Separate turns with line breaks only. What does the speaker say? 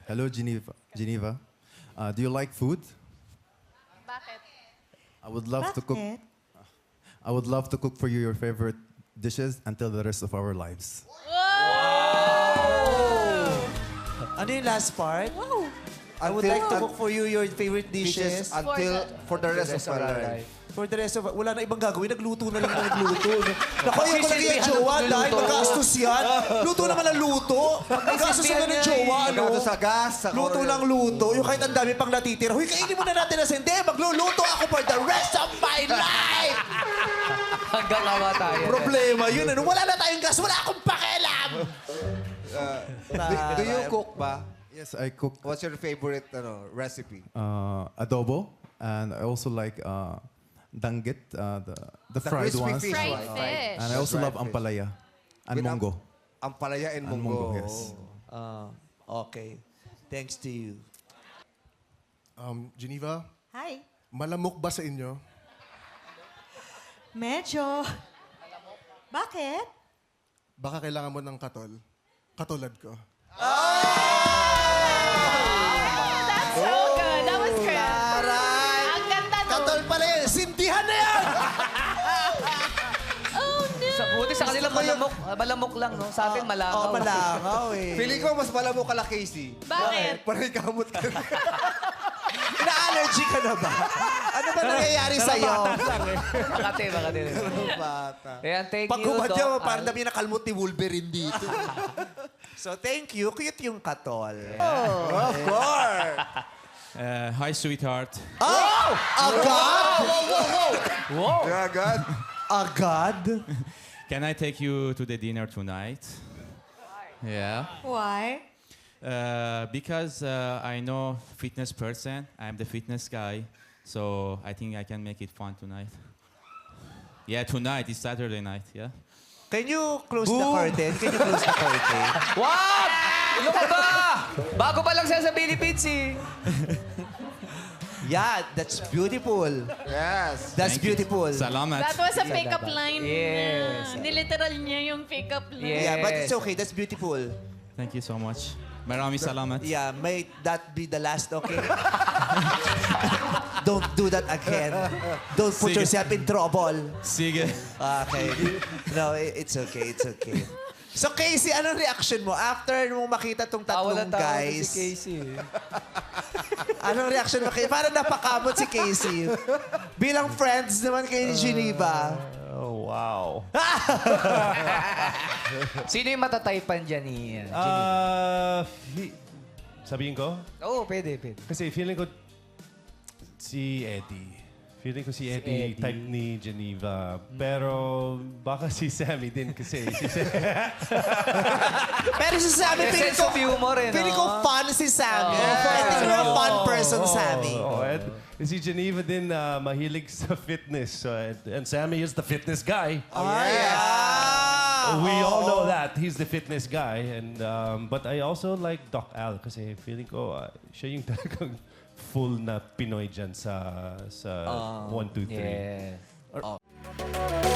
Hello, Geneva. Geneva. Do you like food?
Bakit?
I would love to cook.
Bakit?
I would love to cook for you your favorite dishes until the rest of our lives.
Ano yung last part?
Wow!
I would like to cook for you your favorite dishes.
For the rest of our life.
For the rest of... Wala na ibang gagawin. Nagluto na lang na nagluto. Naku, ayaw ko lagi yung jowa dahil magastos yan. Luto naman ang luto. Magastos na ng jowa, ano?
Gato sa gas, sa
Luto lang luto. Yung kahit ang dami pang natitira. Huy, kainin muna natin na sende. Magluluto ako for the rest of my life!
Hanggang awa tayo.
Problema yun. Ano? Wala na tayong gas. Wala akong pakialam!
Do you cook ba?
Yes, I cook
What's your favorite recipe?
adobo, and I also like danggit, the fried
crispy
ones.
fish.
Fried
Right.
fish.
And I also
Fried
love
fish.
ampalaya and
With
mongo.
Ampalaya and
And
munggo.
munggo, yes.
Okay. Thanks to you.
Geneva,
Hi.
malamok ba sa inyo?
Medyo. Bakit?
Baka kailangan mo ng katol. Katulad ko.
That's so good. That was good.
Aray!
Ang ganda nun.
Katol pala yun. Sintihan na yan!
Oh, no.
Sa buti sa kanila malamok lang, no? Sa atin malangaw.
Oo, malangaw eh.
Feeling ko mas malamok ka la, Casey.
Bakit?
Parang kamot ka.
Na-allergy ka na ba? Ano ba nangyayari sa'yo?
Makati.
Bata.
Ayan, thank
Pag
you,
humad
Doc
yan,
Al.
parang dami nakalmot ni Wolverine dito. So, thank you. Cute yung katol.
Of course.
Hi, sweetheart.
Oh! Agad?
Yeah, God.
Agad?
Can I take you to the dinner tonight? Yeah.
Why?
Because I know fitness person. I'm the fitness guy. So I think I can make it fun tonight. Yeah, tonight. It's Saturday night, yeah?
Can you close the curtain? Can you close the curtain?
Wag! Ano ka ba? Bago pa lang siya sa Philippines, eh.
Yeah, that's beautiful.
Yes.
That's
Thank you.
beautiful.
Salamat.
That was a pick-up line
Yes.
niya. Niliteral niya yung pick-up line.
Yes.
Yeah, but it's okay. That's beautiful.
Thank you so much. Maraming salamat.
Yeah, may that be the last, okay? Don't do that again. Don't put
Sige.
yourself in trouble.
Sige.
Okay. No, it's okay. It's okay. So, Casey, anong reaction mo after mo makita tong tatlong guys?
si Casey.
Anong reaction mo kay? Parang napakamot si Casey. Bilang friends naman kay Geneva.
Oh, wow.
Sino yung matataypan dyan ni
Sabihin ko?
Oo, pwede.
Kasi feeling ko si Eddie. Feeling ko si Eddie, type ni Geneva. Pero baka si Sammy din kasi.
Pero si Sammy,
May
feeling
sense
ko,
of humor eh, no?
feeling ko fun si Sammy. I think you're a fun person, Sammy.
And si Geneva din mahilig sa fitness. So, and Sammy is the fitness guy.
Yeah.
We all know that. He's the fitness guy. And but I also like Doc Al kasi feeling ko siya yung talagang full na Pinoy dyan sa 1, 2, 3.
Yeah.